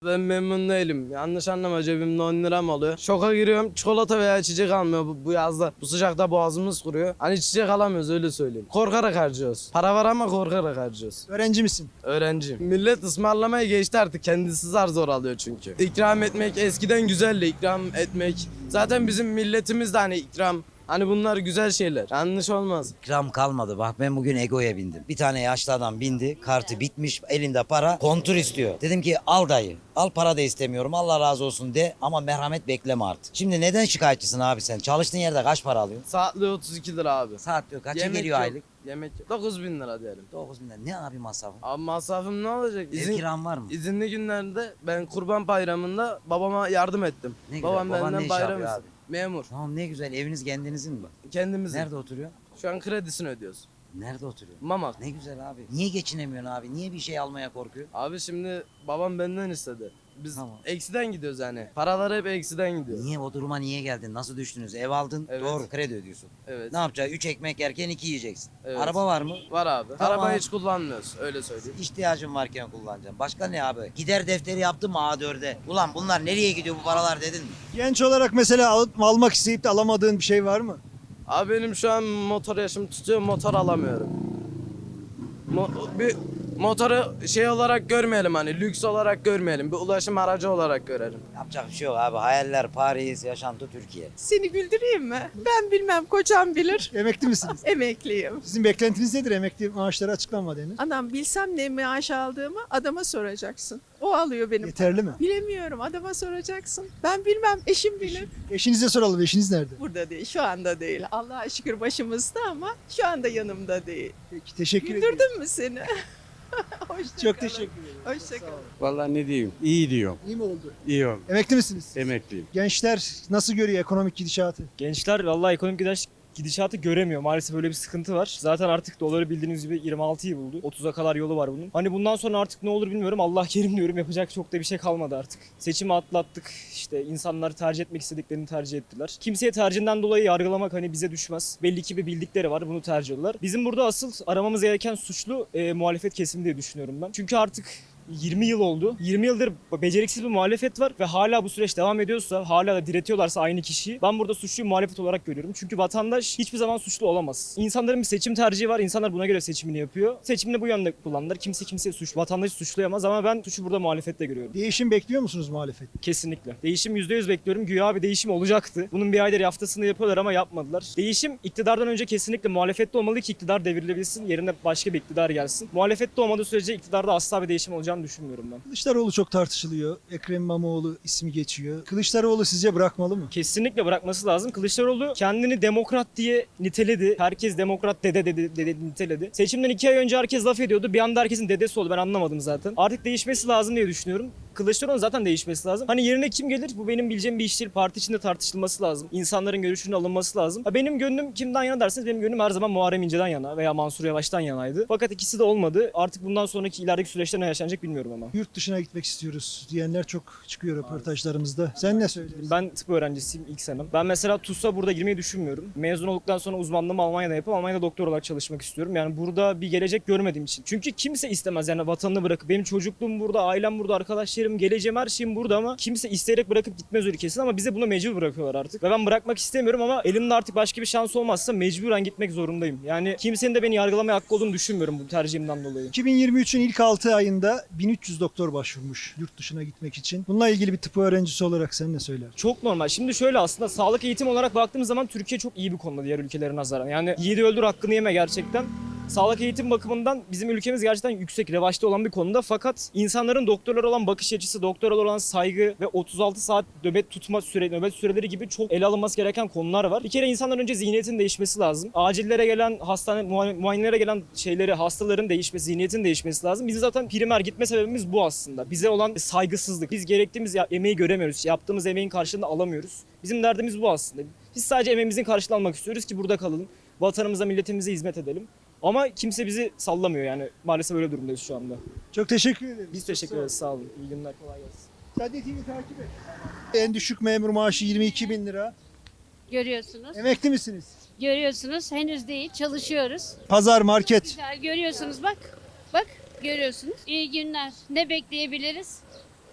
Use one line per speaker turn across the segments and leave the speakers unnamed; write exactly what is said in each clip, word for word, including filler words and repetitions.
Ben memnun değilim. Yanlış anlama, cebimde on liram oluyor. Şoka giriyorum, çikolata veya içecek almıyor bu, bu yazda. Bu sıcakta boğazımız kuruyor. Hani içecek alamıyoruz, öyle söyleyeyim. Korkarak harcıyoruz. Para var ama korkarak harcıyoruz.
Öğrenci misin?
Öğrenciyim. Millet ısmarlamayı geçti artık. Kendisi zar zor alıyor çünkü. İkram etmek eskiden güzeldi. İkram etmek. Zaten bizim milletimiz de hani ikram. Hani bunlar güzel şeyler. Yanlış olmaz.
İkram kalmadı. Bak ben bugün Ego'ya bindim. Bir tane yaşlı adam bindi. Kartı bitmiş. Elinde para. Kontur istiyor. Dedim ki al dayı. Al, para da istemiyorum. Allah razı olsun de. Ama merhamet bekleme artık. Şimdi neden şikayetçisin abi sen? Çalıştığın yerde kaç para alıyorsun?
Saatli otuz iki lira abi.
Saat diyor. Kaça
Yemek
geliyor
yok.
aylık?
Yemek yok. dokuz bin lira diyelim.
dokuz bin lira. Ne abi masrafı?
Abi masrafım ne olacak?
Ev
İzin,
kiran var mı?
izinli günlerde ben Kurban Bayramı'nda babama yardım ettim.
Ne güzel.
Babam
Baban ne
benden
iş
bayram
yapıyor
istedi. Memur.
Tamam, ne güzel. Eviniz kendinizin mi?
Kendimizin.
Nerede oturuyor?
Şu an kredisini ödüyoruz.
Nerede oturuyor?
Mamak.
Ne güzel abi. Niye geçinemiyorsun abi? Niye bir şey almaya korkuyor?
Abi şimdi babam benden istedi. Biz
Tamam.
eksiden gidiyoruz yani. Paralar hep eksiden gidiyor.
Niye o duruma niye geldin? Nasıl düştünüz? Ev aldın.
Evet.
Doğru. Kredi ödüyorsun.
Evet.
Ne yapacaksın? Üç ekmek yerken iki yiyeceksin.
Evet.
Araba var mı?
Var abi.
Tamam.
Arabayı hiç kullanmıyoruz, öyle söyleyeyim.
İhtiyacın varken kullanacaksın. Başka ne abi? Gider defteri yaptın mı A dörde? Ulan bunlar nereye gidiyor bu paralar dedin mi?
Genç olarak mesela al- almak isteyip de alamadığın bir şey var mı?
Abi benim şu an motor yaşım tutuyor, motor alamıyorum. Mo- bir motoru şey olarak görmeyelim, hani lüks olarak görmeyelim. Bir ulaşım aracı olarak görelim.
Yapacak bir şey yok abi. Hayaller Paris, yaşantı Türkiye.
Seni güldüreyim mi? Ben bilmem, kocam bilir.
Emekli misiniz?
Emekliyim.
Sizin beklentiniz nedir? Emekli maaşları açıklanmadı henüz.
Anam bilsem ne maaş aldığımı adama soracaksın. O alıyor benim.
Yeterli mi?
Bilemiyorum, adama soracaksın. Ben bilmem, eşim bilir.
Eşinize soralım. Eşiniz nerede?
Burada değil, şu anda değil. Allah'a şükür başımızda ama şu anda yanımda değil.
Peki, teşekkür ederim.
Güldürdüm mü seni? Hoşça
Çok
kalın.
teşekkür ederim.
Hoşça kalın.
Vallahi ne diyeyim? İyi diyorum.
İyi mi oldu?
İyi oldu.
Emekli misiniz?
Emekliyim.
Gençler nasıl görüyor ekonomik gidişatı?
Gençler vallahi ekonomik gidiş, gidişatı göremiyor. Maalesef öyle bir sıkıntı var. Zaten artık doları bildiğiniz gibi yirmi altıyı buldu. otuza kadar yolu var bunun. Hani bundan sonra artık ne olur bilmiyorum. Allah kerim diyorum. Yapacak çok da bir şey kalmadı artık. Seçimi atlattık. İşte insanlar tercih etmek istediklerini tercih ettiler. Kimseye tercihinden dolayı yargılamak hani bize düşmez. Belli ki bir bildikleri var. Bunu tercih ediyorlar. Bizim burada asıl aramamız gereken suçlu e, muhalefet kesimi diye düşünüyorum ben. Çünkü artık yirmi yıl oldu. yirmi yıldır beceriksiz bir muhalefet var ve hala bu süreç devam ediyorsa, hala da diretiyorlarsa aynı kişiyi, ben burada suçluyu muhalefet olarak görüyorum. Çünkü vatandaş hiçbir zaman suçlu olamaz. İnsanların bir seçim tercihi var. İnsanlar buna göre seçimini yapıyor. Seçimini bu yönde kullanırlar. Kimse kimseye suç, vatandaşı suçlayamaz ama ben suçu burada muhalefette görüyorum.
Değişim bekliyor musunuz muhalefet?
Kesinlikle. Değişim yüzde yüz bekliyorum. Güya bir değişim olacaktı. Bunun bir aydır haftasını yapıyorlar ama yapmadılar. Değişim iktidardan önce kesinlikle muhalefette olmalı ki iktidar devrilebilsin. Yerine başka bir iktidar gelsin. Muhalefette olmadığı sürece iktidarda asla bir değişim olacağını düşünmüyorum ben.
Kılıçdaroğlu çok tartışılıyor. Ekrem İmamoğlu ismi geçiyor. Kılıçdaroğlu sizce bırakmalı mı?
Kesinlikle bırakması lazım. Kılıçdaroğlu kendini demokrat diye niteledi. Herkes demokrat dede dede, dede niteledi. Seçimden iki ay önce herkes laf ediyordu. Bir anda herkesin dedesi oldu. Ben anlamadım zaten. Artık değişmesi lazım diye düşünüyorum. Kılıçdaroğlu zaten değişmesi lazım. Hani yerine kim gelir? Bu benim bileceğim bir iş değil. Parti içinde tartışılması lazım. İnsanların görüşünün alınması lazım. Ha, benim gönlüm kimden yana derseniz benim gönlüm her zaman Muharrem İnce'den yana veya Mansur Yavaş'tan yanaydı. Fakat ikisi de olmadı. Artık bundan sonraki ilerideki süreçte ne yaşanacak bilmiyorum ama.
Yurt dışına gitmek istiyoruz diyenler çok çıkıyor röportajlarımızda. Sen ne söylüyorsun?
Ben tıp öğrencisiyim ilk senem. Ben mesela TUS'a burada girmeyi düşünmüyorum. Mezun olduktan sonra uzmanlığımı Almanya'da yapıp Almanya'da doktor olarak çalışmak istiyorum. Yani burada bir gelecek görmediğim için. Çünkü kimse istemez yani vatanını bırakıp. Benim çocukluğum burada, ailem burada, arkadaşlarım, geleceğim, her şeyim burada ama kimse isteyerek bırakıp gitmez ülkesine ama bize buna mecbur bırakıyorlar artık. Ve ben bırakmak istemiyorum ama elimde artık başka bir şans olmazsa mecburen gitmek zorundayım. Yani kimsenin de beni yargılamaya hakkı olduğunu düşünmüyorum bu tercihimden dolayı.
iki bin yirmi üçün ilk altı ayında bin üç yüz doktor başvurmuş yurt dışına gitmek için. Bununla ilgili bir tıp öğrencisi olarak sen ne söyler?
Çok normal. Şimdi şöyle aslında sağlık eğitimi olarak baktığımız zaman Türkiye çok iyi bir konuda diğer ülkelere nazaran. Yani yiğidi öldür hakkını yeme gerçekten. Sağlık eğitim bakımından bizim ülkemiz gerçekten yüksek, revaçta olan bir konuda. Fakat insanların doktorlara olan bakış açısı, doktorlara olan saygı ve otuz altı saat nöbet tutma süre, nöbet süreleri gibi çok ele alınması gereken konular var. Bir kere insanların önce zihniyetin değişmesi lazım. Acillere gelen, hastane muayenelere gelen şeyleri, hastaların değişmesi, zihniyetin değişmesi lazım. Bizim zaten primer gitme sebebimiz bu aslında. Bize olan saygısızlık. Biz gerektiğimiz emeği göremiyoruz. Yaptığımız emeğin karşılığını alamıyoruz. Bizim derdimiz bu aslında. Biz sadece emeğimizin karşılığını almak istiyoruz ki burada kalalım. Vatanımıza, milletimize hizmet edelim. Ama kimse bizi sallamıyor yani. Maalesef öyle durumdayız şu anda.
Çok teşekkür ederim.
Biz teşekkür ederiz. Sağ olun. İyi günler. Kolay gelsin.
Sadece T V takip et. En düşük memur maaşı yirmi iki bin lira.
Görüyorsunuz.
Emekli misiniz?
Görüyorsunuz. Henüz değil. Çalışıyoruz.
Pazar, market.
Güzel. Görüyorsunuz bak. Bak. Görüyorsunuz. İyi günler. Ne bekleyebiliriz?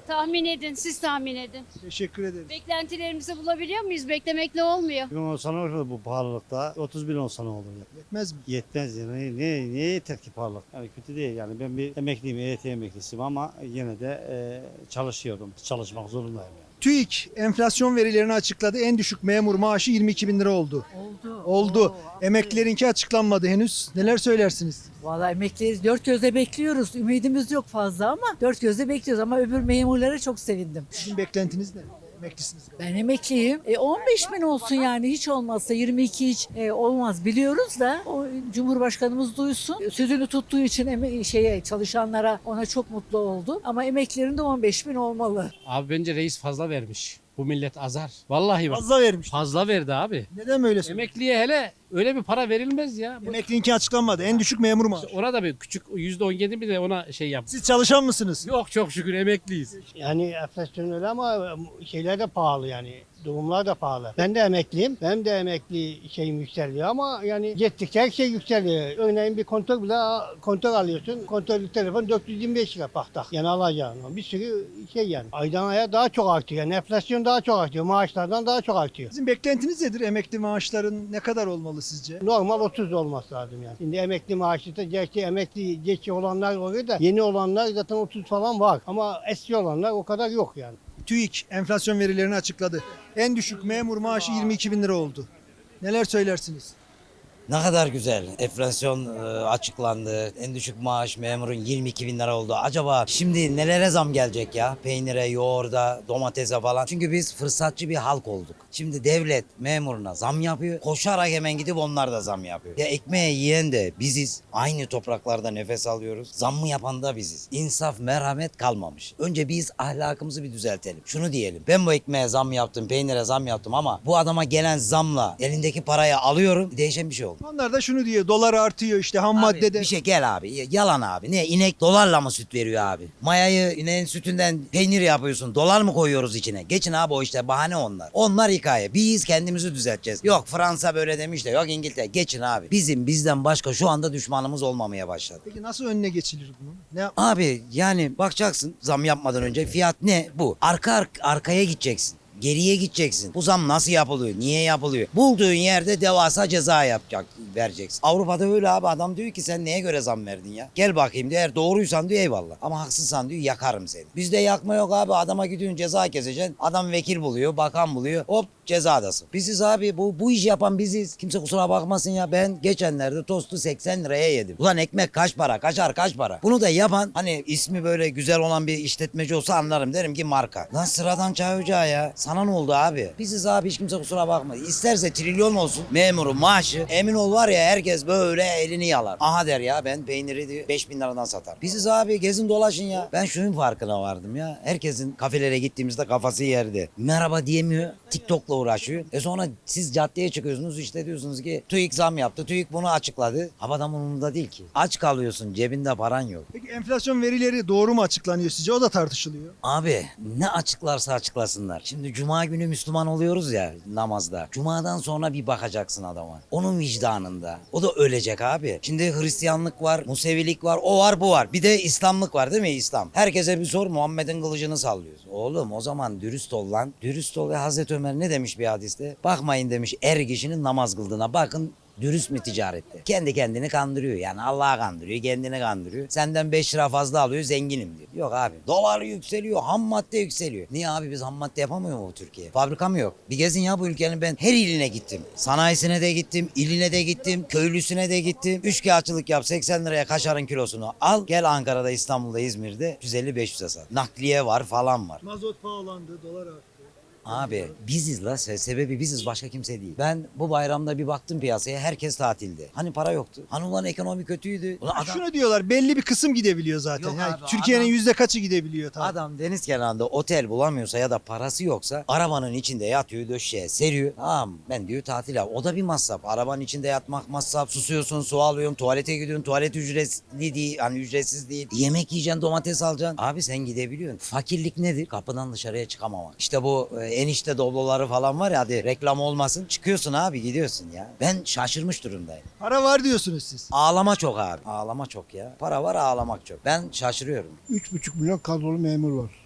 Tahmin edin, siz tahmin edin.
Teşekkür ederim.
Beklentilerimizi bulabiliyor muyuz? Beklemekle olmuyor.
bin olsa ne olur bu pahalılıkta? otuz bin olsa ne olur?
Yetmez mi?
Yetmez ya. Ne, ne, neye yeter ki pahalılık? Yani kötü değil yani. Ben bir emekliyim, E Y T emeklisiyim ama yine de e, çalışıyorum. Çalışmak zorundayım yani.
TÜİK enflasyon verilerini açıkladı. En düşük memur maaşı yirmi iki bin lira oldu.
Oldu.
Oldu.
Oo,
Emeklilerinki açıklanmadı henüz. Neler söylersiniz?
Vallahi emekliyiz. Dört gözle bekliyoruz. Ümidimiz yok fazla ama dört gözle bekliyoruz. Ama öbür memurlara çok sevindim.
Sizin beklentiniz ne? Emeklisiniz.
Ben emekliyim. E on beş bin olsun yani hiç olmazsa yirmi iki hiç e, olmaz biliyoruz da o Cumhurbaşkanımız duysun. Sözünü tuttuğu için eme- şeye çalışanlara ona çok mutlu oldu. Ama emeklerin de on beş bin olmalı.
Abi bence reis fazla vermiş. Bu millet azar. Vallahi bak.
Fazla vermiş.
Fazla verdi abi.
Neden böyle söylüyorsun?
Emekliye hele öyle bir para verilmez ya. Bu-
Emeklininki açıklanmadı. En düşük memur maaşı.
Ona da bir küçük yüzde on yedi bir de ona şey yap.
Siz çalışan mısınız?
Yok çok şükür emekliyiz.
Yani enflasyon öyle ama şeyler de pahalı yani. Durumlar da pahalı. Ben de emekliyim. Benim de emekli şeyim yükseliyor ama yani yettikçe her şey yükseliyor. Örneğin bir kontör bile kontör alıyorsun. Kontörlük telefon dört yüz yirmi beş lira paktak. Yani alacağın. Bir sürü şey yani. Aydan aya daha çok artıyor. Yani enflasyon daha çok artıyor. Maaşlardan daha çok artıyor.
Sizin beklentiniz nedir? Emekli maaşların ne kadar olmalı sizce?
Normal otuz olması lazım yani. Şimdi emekli maaşı da gerçi emekli geçi olanlar oluyor da yeni olanlar zaten otuz falan var. Ama eski olanlar o kadar yok yani.
TÜİK enflasyon verilerini açıkladı. En düşük memur maaşı yirmi iki bin lira oldu. Neler söylersiniz?
Ne kadar güzel. Enflasyon e, açıklandı. En düşük maaş memurun yirmi iki bin lira oldu. Acaba şimdi nelere zam gelecek ya? Peynire, yoğurda, domatese falan. Çünkü biz fırsatçı bir halk olduk. Şimdi devlet memuruna zam yapıyor. Koşarak hemen gidip onlar da zam yapıyor. Ya ekmeği yiyen de biziz. Aynı topraklarda nefes alıyoruz. Zammı yapan da biziz. İnsaf, merhamet kalmamış. Önce biz ahlakımızı bir düzeltelim. Şunu diyelim. Ben bu ekmeğe zam yaptım, peynire zam yaptım ama bu adama gelen zamla elindeki parayı alıyorum. Değişen bir şey oldu.
Onlar da şunu diyor. Dolar artıyor işte ham
Abi,
maddede.
bir şey gel abi. Yalan abi. Ne inek dolarla mı süt veriyor abi? Mayayı ineğin sütünden peynir yapıyorsun. Dolar mı koyuyoruz içine? Geçin abi o işte bahane onlar. Onlar hikaye. Biz kendimizi düzelteceğiz. Yok Fransa böyle demiş de yok İngiltere. Geçin abi. Bizim bizden başka şu anda düşmanımız olmamaya başladı.
Peki nasıl önüne geçilir bunun? Ne yap-
Abi yani bakacaksın zam yapmadan önce fiyat ne bu? Arka ar- arkaya gideceksin. Geriye gideceksin. Bu zam nasıl yapılıyor? Niye yapılıyor? Bulduğun yerde devasa ceza yapacak, vereceksin. Avrupa'da öyle abi adam diyor ki sen neye göre zam verdin ya? Gel bakayım diyor. Eğer doğruysan diyor eyvallah. Ama haksızsan diyor yakarım seni. Bizde yakma yok abi. Adama gidiyorsun ceza keseceksin. Adam vekil buluyor, bakan buluyor. Hop cezadasın. Biziz abi. Bu bu işi yapan biziz. Kimse kusura bakmasın ya. Ben geçenlerde tostu seksen liraya yedim. Ulan ekmek kaç para? Kaçar kaç para? Bunu da yapan hani ismi böyle güzel olan bir işletmeci olsa anlarım. Derim ki marka. Lan sıradan çay ocağı ya. Sana ne oldu abi? Biziz abi hiç kimse kusura bakma. İsterse trilyon olsun memurun maaşı. Emin ol var ya herkes böyle elini yalar. Aha der ya ben peyniri diyor beş bin liradan satar. Biziz abi gezin dolaşın ya. Ben şunun farkına vardım ya. Herkesin kafelere gittiğimizde kafası yerde. Merhaba diyemiyor. TikTok'la uğraşıyor. E sonra siz caddeye çıkıyorsunuz işte diyorsunuz ki TÜİK zam yaptı. TÜİK bunu açıkladı. Havadan umurunda değil ki. Aç kalıyorsun cebinde paran yok.
Peki enflasyon verileri doğru mu açıklanıyor sizce? O da tartışılıyor.
Abi ne açıklarsa açıklasınlar. Şimdi cuma günü Müslüman oluyoruz ya namazda. Cumadan sonra bir bakacaksın adama. Onun vicdanında. O da ölecek abi. Şimdi Hristiyanlık var, Musevilik var, o var bu var. Bir de İslamlık var değil mi İslam? Herkese bir sor Muhammed'in kılıcını sallıyoruz. Oğlum o zaman dürüst ol lan. Dürüst ol ve Hazreti Ömer ne demiş bir hadiste? Bakmayın demiş er kişinin namaz kıldığına bakın. Dürüst mü ticarette? Kendi kendini kandırıyor. Yani Allah'ı kandırıyor, kendini kandırıyor. Senden beş lira fazla alıyor, zenginim diyor. Yok abi. Dolar yükseliyor, ham madde yükseliyor. Niye abi biz ham madde yapamıyor mu bu Türkiye? Fabrika mı yok? Bir gezin ya bu ülkenin ben her iline gittim. Sanayisine de gittim, iline de gittim, köylüsüne de gittim. Üçkağıtçılık yap seksen liraya kaşarın kilosunu al. Gel Ankara'da, İstanbul'da, İzmir'de yüz elli beş yüze sat. Nakliye var falan var.
Mazot pahalandı, dolar arttı.
Abi biziz la se- sebebi biziz başka kimse değil. Ben bu bayramda bir baktım piyasaya herkes tatilde. Hani para yoktu. Hani ulan ekonomi kötüydü. Ulan adam,
Şunu diyorlar belli bir kısım gidebiliyor zaten.
Yok
Yani
abi,
Türkiye'nin
adam-
yüzde kaçı gidebiliyor tabii.
adam deniz kenarında otel bulamıyorsa ya da parası yoksa arabanın içinde yatıyor döşeye seriyor. Tamam ben diyor tatil yap. O da bir masraf. Arabanın içinde yatmak masraf. Susuyorsun su alıyorsun tuvalete gidiyorsun. Tuvalet ücretli değil hani ücretsiz değil. Yemek yiyeceksin domates alacaksın. Abi sen gidebiliyorsun. Fakirlik nedir? Kapıdan dışarıya çıkamamak. İşte bu e, enişte dobloları falan var ya hadi reklam olmasın. Çıkıyorsun abi gidiyorsun ya. Ben şaşırmış durumdayım.
Para var diyorsunuz siz.
Ağlama çok abi. Ağlama çok ya. Para var ağlamak çok. Ben şaşırıyorum.
üç buçuk milyon kadrolu memur var.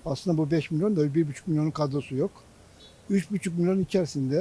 Aslında bu beş milyon da bir buçuk milyonun kadrosu yok. üç buçuk milyon içerisinde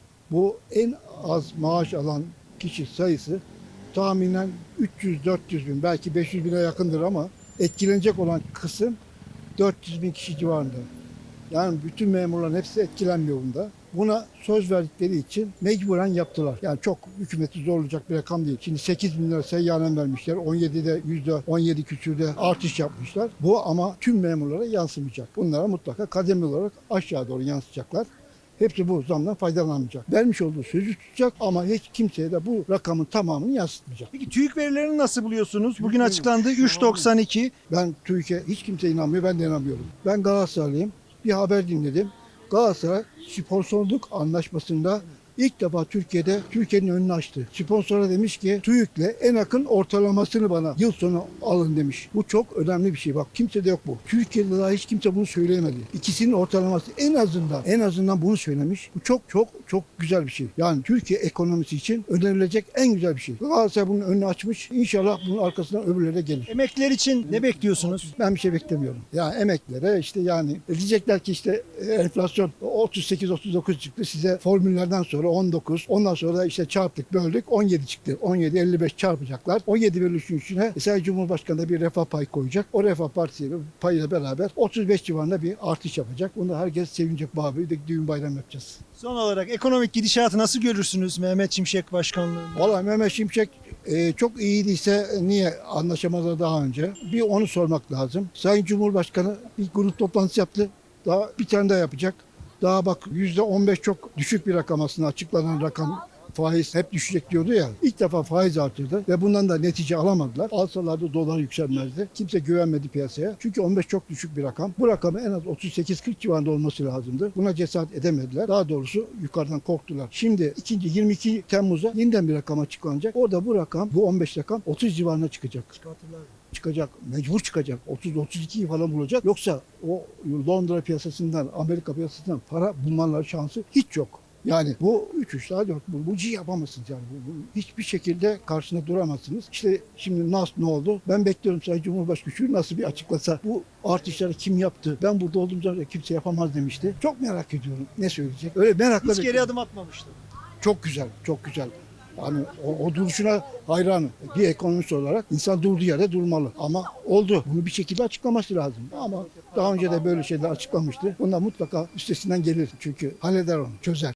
bu en az maaş alan kişi sayısı tahminen üç yüz dört yüz bin, belki beş yüz bine yakındır ama etkilenecek olan kısım dört yüz bin kişi civarında. Yani bütün memurların hepsi etkilenmiyor bunda. Buna söz verdikleri için mecburen yaptılar. Yani çok hükümeti zorlayacak bir rakam değil. Şimdi sekiz bin lira seyyanen vermişler. on yedide yüzde on yedi küsürde artış yapmışlar. Bu ama tüm memurlara yansımayacak. Bunlara mutlaka kademeli olarak aşağı doğru yansıtacaklar. Hepsi bu zamdan faydalanmayacak. Vermiş olduğu sözü tutacak ama hiç kimseye de bu rakamın tamamını yansıtmayacak.
Peki TÜİK verilerini nasıl buluyorsunuz? Bugün açıklandı üç doksan iki.
Ben TÜİK'e hiç kimse inanmıyor, ben de inanmıyorum. Ben Galatasaraylıyım. Bir haber dinledim. Galatasaray sponsorluk anlaşmasında ilk defa Türkiye'de Türkiye'nin önünü açtı. Sponsora demiş ki TÜİK'le en yakın ortalamasını bana yıl sonu alın demiş. Bu çok önemli bir şey. Bak kimse de yok bu. Türkiye'de daha hiç kimse bunu söyleyemedi. İkisinin ortalaması en azından en azından bunu söylemiş. Bu çok çok çok güzel bir şey. Yani Türkiye ekonomisi için önerilecek en güzel bir şey. Galatasaray bunun önünü açmış. İnşallah bunun arkasından öbürleri de gelir.
Emekliler için ne bekliyorsunuz?
Ben bir şey beklemiyorum. Ya emeklilere işte yani diyecekler ki işte enflasyon otuz sekiz otuz dokuz çıktı. Size formüllerden sonra on dokuz. Ondan sonra da işte çarptık, böldük. on yedi çıktı. on yedi elli beş çarpacaklar. on yedi bölü üçün içine mesela Cumhurbaşkanı da bir refah payı koyacak. O refah partisiyle payıyla beraber otuz beş civarında bir artış yapacak. Bunda herkes sevinecek, babi de düğün bayram yapacağız.
Son olarak ekonomik gidişatı nasıl görürsünüz Mehmet Şimşek Başkanlığı'nda?
Valla Mehmet Şimşek e, çok iyiydiyse niye anlaşamadılar daha önce? Bir onu sormak lazım. Sayın Cumhurbaşkanı bir grup toplantısı yaptı. Daha bir tane daha yapacak. Daha bak yüzde on beş çok düşük bir rakam aslında, açıklanan rakam. Faiz hep düşecek diyordu ya. İlk defa faiz artırdı ve bundan da netice alamadılar. Alsalardı dolar yükselmezdi. Kimse güvenmedi piyasaya. Çünkü on beş çok düşük bir rakam. Bu rakamı en az otuz sekiz kırk civarında olması lazımdı. Buna cesaret edemediler. Daha doğrusu yukarıdan korktular. Şimdi ikinci yirmi iki Temmuz'a yeniden bir rakam açıklanacak. Orada bu rakam, bu on beş rakam otuz civarına çıkacak. Çıkacak. Mecbur çıkacak. otuz otuz ikiyi falan bulacak. Yoksa o Londra piyasasından, Amerika piyasasından para bulmaları şansı hiç yok. Yani bu üç üç daha dört bu, bu yapamazsınız yani. Bu, bu, hiçbir şekilde karşısında duramazsınız. İşte şimdi N A S ne oldu? Ben bekliyorum Sayın Cumhurbaşkanı şu nasıl bir açıklasa. Bu artışları kim yaptı? Ben burada olduğum zaman kimse yapamaz demişti. Çok merak ediyorum. Ne söyleyecek? Öyle merakla
Hiç geri
bekliyorum.
adım atmamıştı.
Çok güzel, çok güzel. Yani o, o duruşuna hayranım. Bir ekonomist olarak insan durduğu yerde durmalı. Ama oldu. Bunu bir şekilde açıklaması lazım. Ama daha önce de böyle şeyler açıklamıştı. Bunlar mutlaka üstesinden gelir. Çünkü halleder onu, çözer.